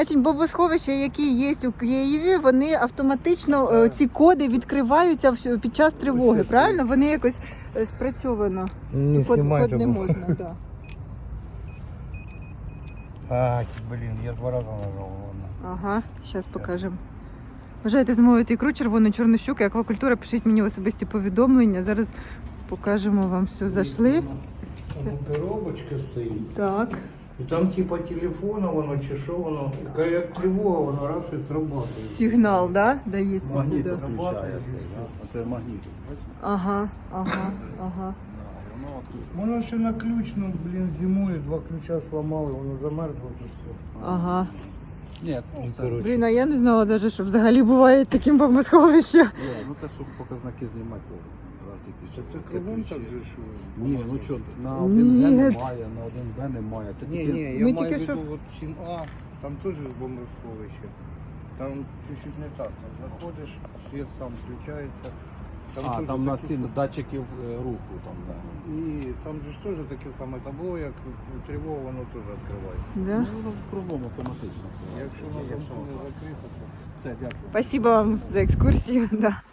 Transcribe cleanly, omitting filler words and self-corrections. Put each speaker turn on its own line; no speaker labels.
Бомбосховища, які є у Києві, вони автоматично, ці коди відкриваються під час тривоги, правильно? Вони якось спрацьовано.
Не
Код
знімайте,
не
бо-
можна, так.
А, блін, я 2 рази нажав. Ладно.
Ага, зараз покажемо. Бажаєте замовити ікру червону, чорну щуку, аквакультура, пишіть мені в особисті повідомлення. Зараз покажемо вам все. Зайшли.
Там коробочка стоїть.
Так.
І там типа телефона воно чи що воно. Як тривога, воно раз і срабатує.
Сигнал, да? Дається
Магніт
сюди.
включається. Оце магніт.
Ага, ага, ага.
Воно ще на ключ, ну, блін, зимою 2 ключа сломали, воно замерзло тут все.
Ага.
Ні, це,
Блін, а я не знала навіть, що взагалі буває таким бомбосховищем.
ну те, щоб показники знімати, то раз якісь.
Це кругом так же, що...
Ні, ну що, на
Ні.
1Б немає, на 1Б немає. Це
Ні,
тільки...
ні,
Ми
я
тільки
маю в
що-
виду, от 7А, там теж бомбосховище. Там чуть-чуть не так, там заходиш, світ сам включається.
А,
теж
там на
такі
ці
самі-
датчиків руху, там, да.
І там же ж теж таке саме табло, як тривога, воно теж відкривається.
Да?
Ну, воно кругом автоматично.
Якщо воно не закрито, то...
Все, дякую.
Спасибо вам за екскурсію. Да.